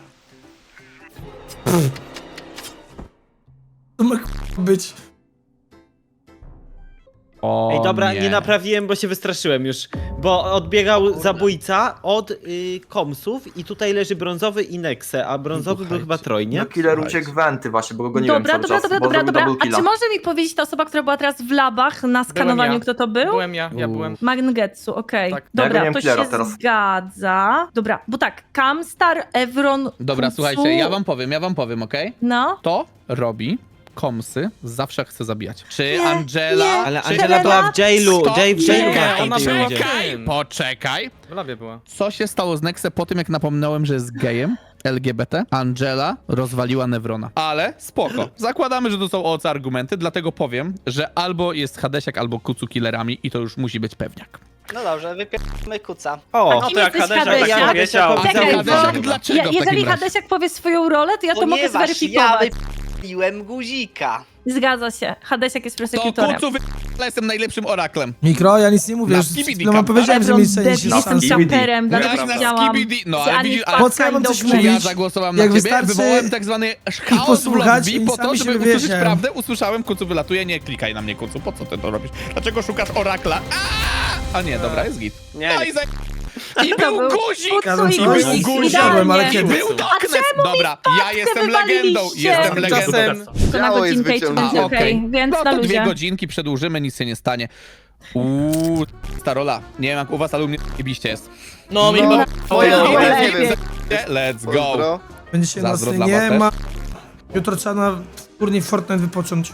Speaker 4: To ma być.
Speaker 3: O,
Speaker 10: Ej, dobra,
Speaker 3: nie.
Speaker 10: nie naprawiłem, bo się wystraszyłem już. Bo odbiegał zabójca od y, komsów i tutaj leży brązowy i Nexe, a brązowy był chyba Troj, nie?
Speaker 13: No killer uciekł wenty właśnie, bo go goniłem
Speaker 1: Dobra,
Speaker 13: cały
Speaker 1: dobra,
Speaker 13: czas,
Speaker 1: dobra,
Speaker 13: bo
Speaker 1: dobra,
Speaker 13: zrobił
Speaker 1: dobra.
Speaker 13: double
Speaker 1: A
Speaker 13: killa.
Speaker 1: czy może mi powiedzieć ta osoba, która była teraz w labach na skanowaniu,
Speaker 7: ja.
Speaker 1: kto to był?
Speaker 7: Byłem ja, ja byłem.
Speaker 1: Mangetsu, okej.
Speaker 7: Tak.
Speaker 13: Ja
Speaker 1: Dobra,
Speaker 13: goniłem
Speaker 1: to
Speaker 13: killera
Speaker 1: się
Speaker 13: teraz.
Speaker 1: zgadza. Dobra, bo tak, Kamstar, Evron,
Speaker 3: Dobra,
Speaker 1: Kucu,
Speaker 3: słuchajcie, ja wam powiem, ja wam powiem, okej?
Speaker 1: No.
Speaker 3: To robi komsy, zawsze chce zabijać. Czy
Speaker 1: Nie,
Speaker 3: Angela...
Speaker 1: nie.
Speaker 10: Ale
Speaker 3: czy...
Speaker 10: Angela była w jailu,
Speaker 3: Stop,
Speaker 10: Jay w jailu
Speaker 3: czekaj,
Speaker 10: była w tej rundzie.
Speaker 3: Poczekaj, poczekaj.
Speaker 7: W labie była.
Speaker 3: Co się stało z Nexe po tym, jak napomniałem, że jest gejem? L G B T. Angela rozwaliła Nevrona. Ale spoko. Zakładamy, że to są oce argumenty, dlatego powiem, że albo jest Hadesiak, albo Kucu killerami i to już musi być pewniak.
Speaker 2: No dobrze, wypierdolmy kuca.
Speaker 10: O,
Speaker 1: A kim jesteś, Hadesiak?
Speaker 10: tak powiedział.
Speaker 3: A
Speaker 1: Czekaj,
Speaker 3: Hadesiak
Speaker 1: bo-
Speaker 3: dlaczego
Speaker 1: Ja,
Speaker 3: w takim
Speaker 1: jeżeli
Speaker 3: razie?
Speaker 1: Hadesiak powie swoją rolę, to ja to mogę
Speaker 2: Ponieważ ja
Speaker 1: zweryfikować.
Speaker 2: wypierdoliłem guzika.
Speaker 1: Zgadza się. Hadesiak jest
Speaker 3: To
Speaker 1: prosekutorem.
Speaker 3: Kucu wy... jestem najlepszym oraklem.
Speaker 4: Mikro, ja nic nie mówię,
Speaker 3: Na
Speaker 4: już
Speaker 3: skibidi
Speaker 4: przed chwilą
Speaker 3: kam.
Speaker 4: powiedziałem, że
Speaker 1: Evron,
Speaker 4: milczenie
Speaker 1: Debbie,
Speaker 4: się
Speaker 1: jestem
Speaker 13: Skibidi.
Speaker 1: saperem, dlatego
Speaker 3: Grałeś na
Speaker 1: widziałam.
Speaker 3: skibidi. No,
Speaker 1: że
Speaker 3: ale
Speaker 1: ani
Speaker 3: widzisz,
Speaker 1: wpadka,
Speaker 3: ale
Speaker 4: Po co ja
Speaker 1: ani
Speaker 4: mam coś
Speaker 1: dobrze.
Speaker 3: Czy ja
Speaker 4: mówić?
Speaker 3: zagłosowałem na
Speaker 4: Jak
Speaker 3: ciebie?
Speaker 4: wystarczy
Speaker 3: Wywołałem tak zwany chaos w
Speaker 4: posłuchać
Speaker 3: lobby
Speaker 4: i
Speaker 3: po to,
Speaker 4: sami
Speaker 3: żeby
Speaker 4: się
Speaker 3: usłyszeć
Speaker 4: wywiecie.
Speaker 3: prawdę. Usłyszałem, Kucu wylatuje, nie klikaj na mnie, Kucu. Po co ty to robisz? Dlaczego szukasz orakla? A, A nie, dobra, jest git.
Speaker 8: Nie,
Speaker 3: No
Speaker 8: nie.
Speaker 3: i za... I
Speaker 1: To
Speaker 3: był
Speaker 1: był
Speaker 3: guzik!
Speaker 1: Kucu
Speaker 4: Gadam
Speaker 1: i
Speaker 4: coś,
Speaker 1: guzik,
Speaker 3: guzik,
Speaker 4: siadłem, ale
Speaker 1: idealnie.
Speaker 4: kiedy?
Speaker 3: Był Darkness! Dobra, ja jestem legendą,
Speaker 1: wywaliliście.
Speaker 3: jestem legendą.
Speaker 10: Czasem...
Speaker 1: To na
Speaker 11: Ciało jest
Speaker 1: godzinkę i to
Speaker 11: wyciągnięte.
Speaker 1: będzie
Speaker 3: A,
Speaker 1: okej,
Speaker 3: okej.
Speaker 1: więc
Speaker 3: No
Speaker 1: na
Speaker 3: to dwie
Speaker 1: luzie.
Speaker 3: godzinki przedłużymy, nic się nie stanie. Uuu, starola. Nie wiem jak u was, ale u mnie jebiście jest.
Speaker 6: No, mi
Speaker 11: No,
Speaker 6: chyba...
Speaker 11: twoje
Speaker 1: No,
Speaker 11: imię,
Speaker 1: lepiej.
Speaker 11: nie wiem.
Speaker 3: Let's go.
Speaker 11: Pozdro.
Speaker 4: Będzie się
Speaker 3: Zazdro
Speaker 4: nocny,
Speaker 3: dla was
Speaker 4: nie
Speaker 3: też.
Speaker 4: ma. Jutro trzeba na turniej Fortnite wypocząć.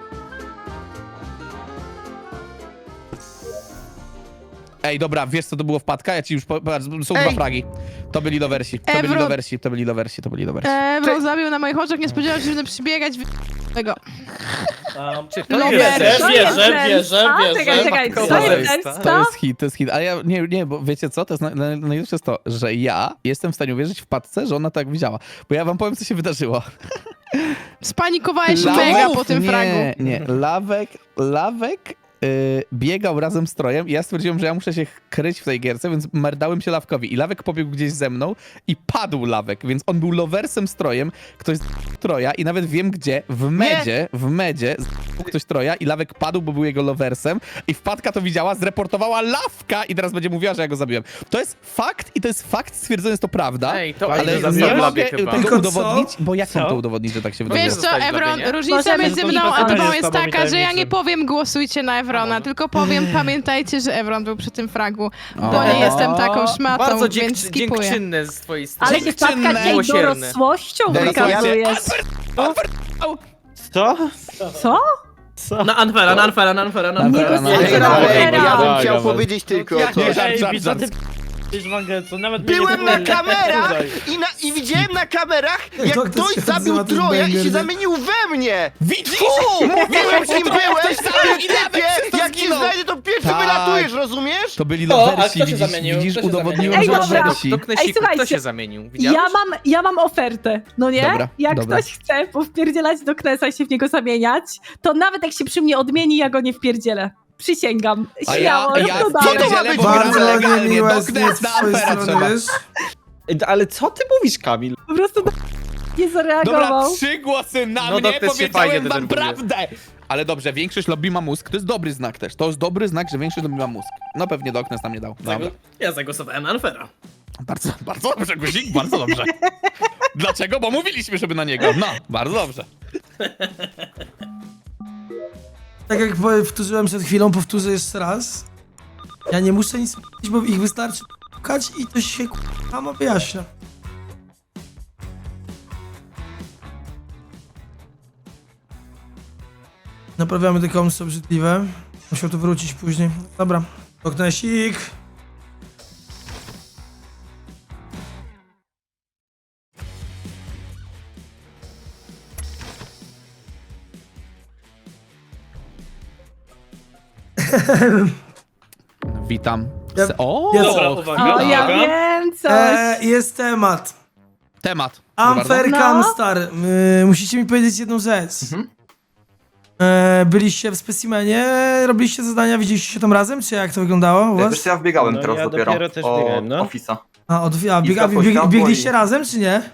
Speaker 3: Ej, dobra, wiesz co to było wpadka? Ja ci już po... patrz, są
Speaker 4: Ej.
Speaker 3: dwa fragi. To byli lowersi, to byli
Speaker 12: Evro-
Speaker 3: lowersi, to byli lowersi, to byli lowersi.
Speaker 12: Evron zabił na moich oczach, nie spodziewałem się, że będę przybiegać w... tego.
Speaker 6: Um,
Speaker 7: Czy
Speaker 12: No
Speaker 7: to
Speaker 6: wierzę,
Speaker 7: jest?
Speaker 1: To
Speaker 6: wierzę,
Speaker 1: jest
Speaker 6: wierzę,
Speaker 1: zemsta?
Speaker 6: wierzę.
Speaker 1: Czekaj, czekaj,
Speaker 6: Matko
Speaker 1: to jest
Speaker 6: Boska.
Speaker 1: zemsta?
Speaker 3: To jest hit, to jest hit. Ale ja nie, nie, bo wiecie co? To jest na, na, najlepsze jest to, że ja jestem w stanie uwierzyć wpadce, że ona tak widziała. Bo ja wam powiem, co się wydarzyło.
Speaker 12: Spanikowałeś
Speaker 3: Lawek-
Speaker 12: mega po tym
Speaker 3: nie,
Speaker 12: fragu.
Speaker 3: Nie, Lawek, Lawek yy, biegał razem z Trojem i ja stwierdziłem, że ja muszę się kryć w tej gierce, więc merdałem się Lawkowi. I Lawek pobiegł gdzieś ze mną i padł Lawek, więc on był lowersem z Trojem, ktoś z Troja i nawet wiem gdzie, w medzie, w medzie z ktoś Troja i Lawek padł, bo był jego lowersem i wpadka to widziała, zreportowała Lawka i teraz będzie mówiła, że ja go zabiłem. To jest fakt i to jest fakt, stwierdzony jest to prawda,
Speaker 7: Ej, to
Speaker 3: ale
Speaker 7: ale
Speaker 3: nie
Speaker 7: zabiłem
Speaker 3: mogę
Speaker 7: chyba.
Speaker 3: tego
Speaker 4: Tylko co?
Speaker 3: udowodnić, bo jak mam
Speaker 6: Co?
Speaker 3: to udowodnić, że tak się wydarzyło?
Speaker 12: Wiesz co,
Speaker 7: zostać w
Speaker 12: Evron,
Speaker 7: labie, nie?
Speaker 12: różnica
Speaker 1: Możemy
Speaker 12: między
Speaker 1: to
Speaker 12: mną a
Speaker 6: spotkanie
Speaker 12: tobą
Speaker 6: z
Speaker 12: jest
Speaker 6: tobą i
Speaker 12: taka, że ja
Speaker 6: tajemnicy.
Speaker 12: nie powiem głosujcie na Evrona, tylko powiem pamiętajcie, że Evron był przy tym fragu, bo
Speaker 3: O.
Speaker 12: nie jestem taką szmatą,
Speaker 7: Bardzo
Speaker 12: więc
Speaker 7: dzięk,
Speaker 12: skipuję.
Speaker 7: dziękczynne z twojej strony.
Speaker 1: Ale się wpadka cię
Speaker 7: Miłosierne.
Speaker 1: dorosłością
Speaker 11: Ej,
Speaker 1: wykazujesz.
Speaker 6: Co?
Speaker 1: Co?
Speaker 6: Co? Na Anfera, na Anfera, na Anfera, na
Speaker 1: Nie
Speaker 6: Anfera.
Speaker 1: głosujcie
Speaker 11: Ej,
Speaker 1: na
Speaker 11: ale
Speaker 1: Anfera.
Speaker 11: ja bym
Speaker 3: Dawaj,
Speaker 11: chciał
Speaker 3: dawaj.
Speaker 11: powiedzieć tylko
Speaker 3: Ja
Speaker 11: to.
Speaker 3: nie żart,
Speaker 6: Ej,
Speaker 3: żart,
Speaker 6: co ty
Speaker 3: żart.
Speaker 6: p***isz, Mangetsu? Nawet mnie
Speaker 11: Byłem
Speaker 6: nie
Speaker 11: na kamerach i, na, i widziałem na kamerach, jak
Speaker 4: To ktoś
Speaker 11: ktoś
Speaker 4: się
Speaker 11: zabił
Speaker 4: nazywa ten
Speaker 11: Troja i
Speaker 4: banger,
Speaker 11: się
Speaker 4: nie?
Speaker 11: zamienił we mnie!
Speaker 3: Widzisz?
Speaker 11: Mówiłem, kim byłeś,
Speaker 3: zabił
Speaker 11: ty
Speaker 3: i nawet przez
Speaker 11: typie!
Speaker 3: to
Speaker 11: Jak cię
Speaker 3: zginął.
Speaker 11: znajdę, to pierwszy
Speaker 3: Tak.
Speaker 11: wylatujesz, rozumiesz?
Speaker 3: To byli
Speaker 6: O, a
Speaker 3: lowersi,
Speaker 6: kto się
Speaker 3: widzisz,
Speaker 6: zamienił?
Speaker 3: widzisz
Speaker 6: Kto się
Speaker 3: udowodniłem,
Speaker 1: zamienił?
Speaker 3: że
Speaker 1: Ej, dobra.
Speaker 3: lowersi.
Speaker 7: Do
Speaker 1: Ej,
Speaker 7: Knesiku, kto
Speaker 1: słuchajcie,
Speaker 7: się zamienił? Widziałeś?
Speaker 1: Ja mam, ja mam ofertę, no nie?
Speaker 3: Dobra,
Speaker 1: jak
Speaker 3: dobra.
Speaker 1: ktoś chce powpierdzielać do Knesa i się w niego zamieniać, to nawet jak się przy mnie odmieni, ja go nie wpierdzielę. Przysięgam.
Speaker 3: A ja,
Speaker 1: Śmiało,
Speaker 3: ja
Speaker 1: rób to dalej.
Speaker 11: Co to ma być?
Speaker 4: Bardzo
Speaker 11: legalnie,
Speaker 4: niemiłe
Speaker 3: do
Speaker 4: jest
Speaker 3: Knesa
Speaker 4: z
Speaker 3: na
Speaker 4: twojej
Speaker 3: Anfera
Speaker 4: strony,
Speaker 3: trzeba.
Speaker 4: wiesz?
Speaker 10: Ej, Ale co ty mówisz, Kamil?
Speaker 1: Po prostu nie
Speaker 3: Dobra,
Speaker 1: zareagował.
Speaker 3: trzy głosy na
Speaker 7: No,
Speaker 3: mnie,
Speaker 7: Doknes się fajnie
Speaker 3: powiedziałem wam
Speaker 7: denerwuje.
Speaker 3: prawdę! Ale dobrze, większość lobby ma mózg, to jest dobry znak też. To jest dobry znak, że większość lobby ma mózg. No pewnie Doknes nam nie dał. Dobra.
Speaker 6: Zago- Ja zagłosowałem na Anfera.
Speaker 3: Bardzo, bardzo dobrze, Guzik, bardzo dobrze. Dlaczego? Bo mówiliśmy, żeby na niego. No, bardzo dobrze.
Speaker 4: Tak jak powtórzyłem przed chwilą, powtórzę jeszcze raz. Ja nie muszę nic mówić, bo ich wystarczy szukać i to się sama wyjaśnia. Naprawiamy te komsy obrzydliwe. Musiał to wrócić później. Dobra. Doknesik.
Speaker 3: Witam.
Speaker 4: Ja-
Speaker 3: Se- o!
Speaker 4: ja-
Speaker 6: Dobra,
Speaker 1: O,
Speaker 6: uwaga,
Speaker 1: ja
Speaker 6: uwaga.
Speaker 1: wiem coś.
Speaker 4: E, jest temat.
Speaker 3: Temat. Proszę bardzo.
Speaker 4: Unfair
Speaker 1: No.
Speaker 4: Camstar. Y, musicie mi powiedzieć jedną rzecz. E, byliście w specimenie, robiliście zadania, widzieliście się tam razem, czy jak to wyglądało u
Speaker 13: Wiesz,
Speaker 4: was?
Speaker 13: co, ja wbiegałem
Speaker 10: No,
Speaker 13: teraz
Speaker 10: ja
Speaker 13: dopiero,
Speaker 10: dopiero też
Speaker 13: od
Speaker 10: biegałem, no.
Speaker 13: Office'a.
Speaker 4: A, od, a
Speaker 13: I
Speaker 4: biega,
Speaker 13: światło,
Speaker 4: bieg,
Speaker 13: światło
Speaker 4: biegliście
Speaker 13: i-
Speaker 4: razem, czy nie?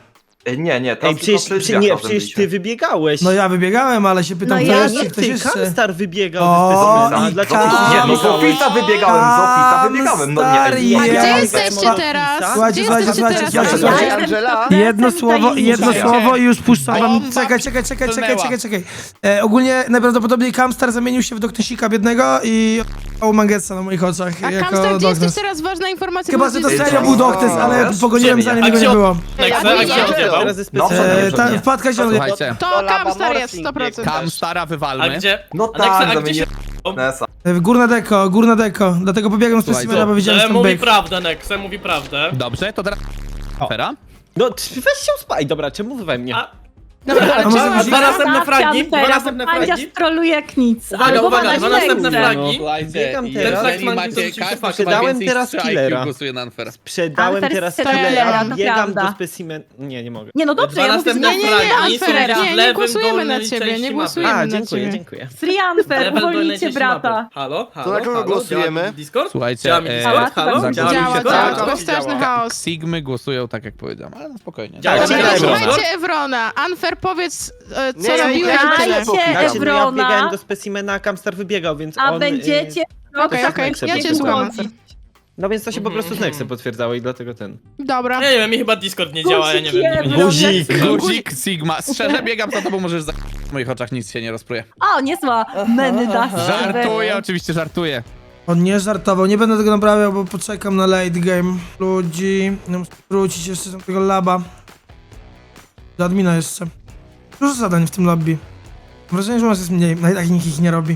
Speaker 13: E, Nie, nie, tam
Speaker 10: Ej, przecież,
Speaker 13: tylko
Speaker 10: przy, nie, przecież ty wybiegałeś.
Speaker 4: No ja wybiegałem, ale się pytam,
Speaker 1: No
Speaker 4: kto
Speaker 1: ja
Speaker 4: jeszcze,
Speaker 10: nie,
Speaker 4: ktoś
Speaker 10: ty,
Speaker 4: jeszcze.
Speaker 10: Kamstar wybiegał
Speaker 4: O,
Speaker 10: ze specimena.
Speaker 4: i
Speaker 10: Dlaczego
Speaker 4: Kam-
Speaker 10: ty
Speaker 13: Nie, no z
Speaker 10: wybiegałeś?
Speaker 13: Office'a wybiegałem, z Office'a wybiegałem, no
Speaker 4: Star
Speaker 13: nie.
Speaker 12: A
Speaker 4: jest.
Speaker 12: gdzie
Speaker 10: Ja
Speaker 12: jesteście
Speaker 10: mam
Speaker 12: teraz?
Speaker 10: Office'a.
Speaker 4: Słuchajcie,
Speaker 12: Gdzie
Speaker 4: słuchajcie,
Speaker 12: jesteście
Speaker 4: słuchajcie,
Speaker 12: teraz?
Speaker 4: słuchajcie,
Speaker 1: Ja
Speaker 4: słuchajcie.
Speaker 1: jestem
Speaker 4: Jedno
Speaker 1: Jestem
Speaker 4: słowo,
Speaker 1: tajemnicza.
Speaker 4: jedno słowo i już puszczam wam.
Speaker 3: Bomba
Speaker 4: Czekaj, czekaj, czekaj, czekaj,
Speaker 3: płynęła.
Speaker 4: czekaj, czekaj. E, ogólnie najprawdopodobniej Kamstar zamienił się w Doknesika biednego i o Mangetsa na moich oczach
Speaker 12: A
Speaker 4: jako
Speaker 12: Kamstar, gdzie jesteś
Speaker 4: Doknes.
Speaker 12: teraz? Ważna informacja.
Speaker 4: Chyba,
Speaker 12: bo
Speaker 4: że to
Speaker 12: gdzie
Speaker 4: serio
Speaker 12: jesteś?
Speaker 4: był Doknes, ale
Speaker 13: Wiesz?
Speaker 4: pogoniłem zanim
Speaker 6: A
Speaker 4: go nie
Speaker 6: gdzie on-
Speaker 4: było.
Speaker 6: Nexe, a gdzie on zjebał?
Speaker 10: Teraz ze
Speaker 13: No,
Speaker 10: specimena.
Speaker 4: E, ta,
Speaker 13: nie.
Speaker 4: wpadka się...
Speaker 3: Słuchajcie,
Speaker 12: To
Speaker 2: To laba
Speaker 12: Kamstar jest,
Speaker 2: morphing
Speaker 12: sto procent.
Speaker 2: biegł.
Speaker 3: Kamstara
Speaker 6: A
Speaker 3: wywalmy.
Speaker 6: gdzie?
Speaker 13: No
Speaker 6: A Nexe,
Speaker 13: tak,
Speaker 6: a gdzie się...
Speaker 13: zamieniłem Nesa.
Speaker 4: E, Górna deko, górna deko. Dlatego pobiegłem z
Speaker 3: Słuchajcie.
Speaker 4: specimena, bo widziałem, że
Speaker 6: Że
Speaker 4: tam
Speaker 6: mówi
Speaker 4: byk.
Speaker 6: prawdę, Nexe, mówi prawdę.
Speaker 3: Dobrze, to teraz... Afera?
Speaker 10: No, t- weź się uspaj, dobra, czemu wy we mnie?
Speaker 6: A,
Speaker 12: Dobra,
Speaker 4: A
Speaker 12: ale
Speaker 4: może
Speaker 12: czemu-
Speaker 4: być-
Speaker 6: dwa następne
Speaker 1: Zostawcie
Speaker 6: fragi, dwa
Speaker 1: Ampera,
Speaker 6: następne
Speaker 1: bo Pandzia
Speaker 6: fragi.
Speaker 1: stroluje jak nic.
Speaker 6: Uwaga,
Speaker 1: Albo
Speaker 6: uwaga,
Speaker 1: ma
Speaker 6: dwa
Speaker 1: na
Speaker 6: następne
Speaker 1: źle.
Speaker 6: fragi.
Speaker 3: Słuchajcie,
Speaker 10: Biegam
Speaker 3: jeżeli
Speaker 10: teraz.
Speaker 3: macie
Speaker 6: Ten fakt,
Speaker 3: każdy
Speaker 6: man,
Speaker 10: sprzedałem
Speaker 3: ma więcej
Speaker 10: teraz
Speaker 3: niż trzy
Speaker 10: killera.
Speaker 3: I Q, głosuje na Anfera.
Speaker 10: Sprzedałem
Speaker 1: Alfer
Speaker 10: teraz
Speaker 1: sprzedał
Speaker 10: tyle,
Speaker 1: killera,
Speaker 10: a
Speaker 1: to
Speaker 10: biegam do
Speaker 1: prawda.
Speaker 10: specimen... Nie, nie mogę.
Speaker 1: Nie no dobrze,
Speaker 6: Dwa
Speaker 1: ja mówię,
Speaker 6: następne
Speaker 1: że
Speaker 12: Nie, nie, nie,
Speaker 6: fragi są
Speaker 12: Anfer,
Speaker 6: gdzieś w
Speaker 12: nie, nie
Speaker 6: lewym
Speaker 12: głosujemy na
Speaker 6: dolnej
Speaker 12: ciebie,
Speaker 6: części
Speaker 12: nie
Speaker 6: mapy.
Speaker 12: głosujemy.
Speaker 10: A,
Speaker 12: na
Speaker 10: dziękuję,
Speaker 12: ciebie.
Speaker 10: dziękuję.
Speaker 1: Free Unfair,
Speaker 6: Lewym dolnej
Speaker 1: uwolnijcie
Speaker 6: części
Speaker 1: brata.
Speaker 6: mapy. Halo, halo,
Speaker 11: na kogo
Speaker 6: halo,
Speaker 11: głosujemy?
Speaker 6: działa Discord?
Speaker 3: Słuchajcie,
Speaker 6: Działa mi
Speaker 3: e,
Speaker 6: Discord? Halo?
Speaker 3: zagłosujcie
Speaker 6: Działa mi
Speaker 12: Działa,
Speaker 6: Discord?
Speaker 12: tak,
Speaker 6: Działa.
Speaker 12: to straszny chaos.
Speaker 3: Sigmy głosują tak, jak powiedziałem, ale no spokojnie.
Speaker 6: Działa.
Speaker 3: Tak,
Speaker 10: Dobra,
Speaker 3: tak,
Speaker 10: Evrona.
Speaker 12: Słuchajcie Evrona, Anfer, powiedz, e, co
Speaker 11: Nie, ja-
Speaker 12: robiłeś
Speaker 11: ja-
Speaker 12: i tyle.
Speaker 1: Dajcie
Speaker 10: Znaczy, no ja
Speaker 1: Evrona,
Speaker 10: biegałem do specimena, a Kamstar wybiegał, więc
Speaker 1: a
Speaker 10: on... y,
Speaker 1: będziecie...
Speaker 12: Okej, okej, ja cię słucham.
Speaker 10: No więc to się po prostu z Nexem potwierdzało i dlatego ten...
Speaker 12: Dobra.
Speaker 6: Ja nie wiem, mi chyba Discord nie działa, ja nie wiem. Nie wiem.
Speaker 10: Guzik!
Speaker 3: Guzik, Sigma. Szczerze biegam za tobą, możesz za... W moich oczach nic się nie rozpruje.
Speaker 1: O, niezła Menda.
Speaker 3: Żartuję, oczywiście żartuję.
Speaker 4: On nie żartował, nie będę tego naprawiał, bo poczekam na late game. Ludzi, no muszę wrócić jeszcze do tego laba. Do admina jeszcze. Dużo zadań w tym lobby. Mam wrażenie, że u nas jest mniej, no i tak nikt ich nie robi.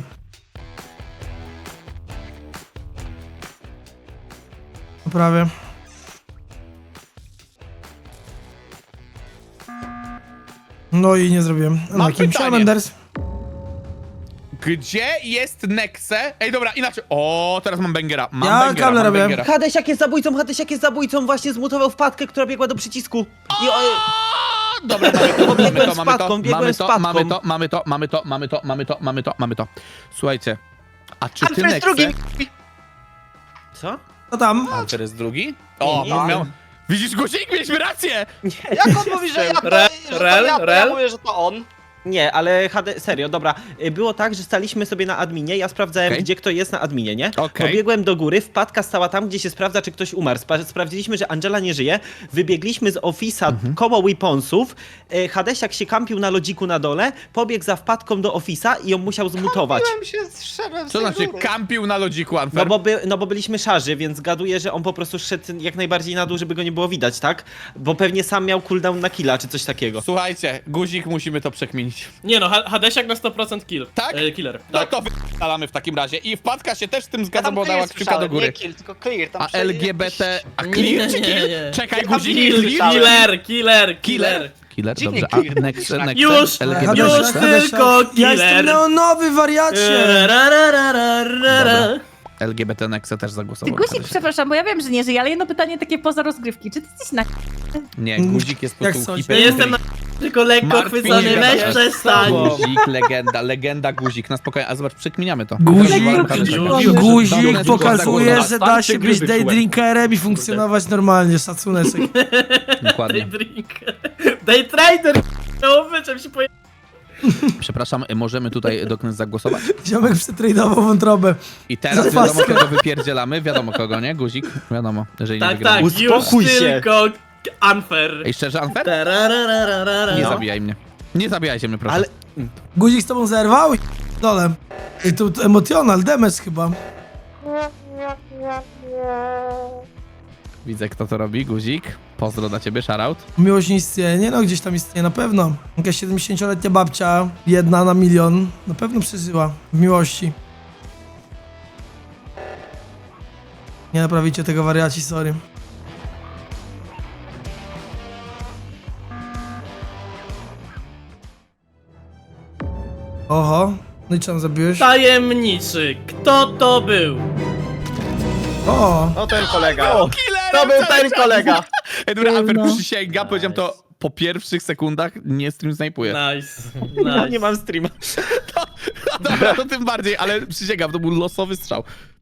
Speaker 4: Prawie. No i nie zrobiłem.
Speaker 3: Mam
Speaker 4: Kim
Speaker 3: pytanie.
Speaker 4: Menders?
Speaker 3: Gdzie jest Nexe? Ej, dobra, inaczej. O, teraz mam Bengera. Mam
Speaker 4: Ja
Speaker 3: Bengera,
Speaker 4: kable
Speaker 3: mam
Speaker 4: robię.
Speaker 3: Bengera.
Speaker 10: Hadesiak jest zabójcą, Hadesiak jest zabójcą, właśnie zmutował wpadkę, która biegła do przycisku. I o,
Speaker 3: Dobra, mamy to, mamy
Speaker 10: Biegłem
Speaker 3: to,
Speaker 10: z
Speaker 3: mamy to,
Speaker 10: spadką, biegłem
Speaker 3: mamy
Speaker 10: z
Speaker 3: to,
Speaker 10: spadką.
Speaker 3: mamy to, mamy to, mamy to, mamy to, mamy to, mamy to, mamy to. Słuchajcie, a czy ty
Speaker 2: Anfer jest drugi.
Speaker 3: Nexe...
Speaker 10: Co?
Speaker 4: Co tam?
Speaker 3: Anfer jest drugi? O,
Speaker 10: Nie,
Speaker 3: mam
Speaker 10: nie.
Speaker 3: miał... Widzisz, Guzik, mieliśmy rację!
Speaker 2: Jak on mówi, że ja to,
Speaker 6: Re-
Speaker 2: że to
Speaker 6: rel,
Speaker 2: ja, to
Speaker 6: rel?
Speaker 2: ja mówię, że to on.
Speaker 10: Nie, ale H D, serio, dobra. Y, Było tak, że staliśmy sobie na adminie, ja sprawdzałem,
Speaker 3: Okej.
Speaker 10: gdzie kto jest na adminie, nie?
Speaker 3: Okej.
Speaker 10: Pobiegłem do góry, wpadka stała tam, gdzie się sprawdza, czy ktoś umarł. Spra sprawdziliśmy, że Angela nie żyje, wybiegliśmy z Office'a
Speaker 3: Mhm.
Speaker 10: koło weaponsów, y, Hadesiak się kampił na lodziku na dole, pobiegł za wpadką do Office'a i ją musiał zmutować.
Speaker 2: Byłem się, zszedłem z
Speaker 3: Co
Speaker 2: tej
Speaker 3: znaczy
Speaker 2: góry.
Speaker 3: kampił na lodziku, Anfer?
Speaker 10: No bo, by, no bo byliśmy szarzy, więc gaduję, że on po prostu szedł jak najbardziej na dół, żeby go nie było widać, tak? Bo pewnie sam miał cooldown na killa, czy coś takiego.
Speaker 3: Słuchajcie, Guzik, musimy to przekminić.
Speaker 6: Nie no, Ha- Hadesiak na sto procent kill.
Speaker 3: Tak?
Speaker 6: E, killer.
Speaker 3: No
Speaker 6: Tak.
Speaker 3: to wydalamy w takim razie. I wpadka się też z tym
Speaker 2: Ja
Speaker 3: zgadza,
Speaker 2: tam
Speaker 3: bo dała
Speaker 2: clear
Speaker 3: kciuka do
Speaker 2: słyszałem,
Speaker 3: góry.
Speaker 2: nie kill, tylko clear. Tam
Speaker 3: A
Speaker 2: przy-
Speaker 3: L G B T... A
Speaker 6: Nie,
Speaker 3: clear czy
Speaker 6: nie,
Speaker 3: kill?
Speaker 6: nie.
Speaker 3: Czekaj,
Speaker 2: Tam
Speaker 3: Guzik,
Speaker 2: kill
Speaker 3: clear?
Speaker 2: słyszałem.
Speaker 6: Killer, killer, killer.
Speaker 3: Killer,
Speaker 2: Dziwnie
Speaker 3: dobrze.
Speaker 2: clear.
Speaker 3: A Nexe, Nexe,
Speaker 6: Już,
Speaker 3: L G B T.
Speaker 6: już
Speaker 4: Hadesiak, Hadesiak.
Speaker 6: tylko
Speaker 4: Ja jestem
Speaker 6: killer.
Speaker 4: neonowy, wariacie!
Speaker 6: Ra, ra, ra, ra, ra, ra.
Speaker 3: Dobra. L G B T Nexe też
Speaker 1: Ty
Speaker 3: zagłosował.
Speaker 1: Guzik, przepraszam, bo ja wiem, że nie żyje, ale jedno pytanie takie poza rozgrywki. Czy ty jesteś na...
Speaker 3: Nie, Guzik jest po
Speaker 4: Jak
Speaker 3: prostu
Speaker 4: coś?
Speaker 3: hiper...
Speaker 6: Nie jestem na... tylko lekko
Speaker 3: Martwi
Speaker 6: chwycony,
Speaker 3: się
Speaker 6: weź
Speaker 3: za-
Speaker 6: przestań.
Speaker 3: Guzik, legenda, legenda Guzik. Na spokojnie, a zobacz, przekminiamy to.
Speaker 4: Guzik,
Speaker 6: Guzik,
Speaker 4: Guzik pokazuje, że da się
Speaker 5: Starcie
Speaker 4: być
Speaker 5: gry
Speaker 4: daydrinkerem i funkcjonować normalnie, szacuneczek.
Speaker 3: Dokładnie.
Speaker 6: Daydrink. Daytrader. No, czym się poje...
Speaker 3: Przepraszam, możemy tutaj dokąd zagłosować?
Speaker 4: Ziomek przetradował wątrobę.
Speaker 3: I teraz
Speaker 4: Za
Speaker 3: wiadomo,
Speaker 4: paskę.
Speaker 3: kogo wypierdzielamy. Wiadomo kogo, nie? Guzik? Wiadomo, jeżeli nie
Speaker 6: Tak,
Speaker 3: wygramy.
Speaker 6: tak, już
Speaker 10: Uspokój się.
Speaker 6: tylko unfair.
Speaker 3: Ej, szczerze, Anfer?
Speaker 6: Tararararara.
Speaker 3: Nie
Speaker 10: No.
Speaker 3: zabijaj mnie. Nie zabijajcie mnie, proszę.
Speaker 10: Ale
Speaker 4: Guzik z tobą zerwał i dole. I tu tu emocjonal, damage chyba.
Speaker 3: Widzę, kto to robi. Guzik. Pozdro dla ciebie, shoutout.
Speaker 4: Miłość nie istnieje, nie no, gdzieś tam istnieje, na pewno. Jakaś siedemdziesięcioletnia babcia, jedna na milion, na pewno przeżyła w miłości. Nie naprawicie tego wariaci, sorry. Oho, no i czemu zabiłeś?
Speaker 6: Tajemniczy, kto to był?
Speaker 4: O,
Speaker 11: No ten kolega.
Speaker 3: Killerem
Speaker 11: To był
Speaker 3: cały
Speaker 11: ten
Speaker 3: czas.
Speaker 11: kolega.
Speaker 3: Ej, dobra, Anfer,
Speaker 1: No.
Speaker 3: przysięga, powiedziałem to po pierwszych sekundach, nie stream snajpuję.
Speaker 6: Nice,
Speaker 10: ja
Speaker 6: nice.
Speaker 10: nie mam streama.
Speaker 3: Dobra, to tym bardziej, ale przysięgam, to był losowy strzał.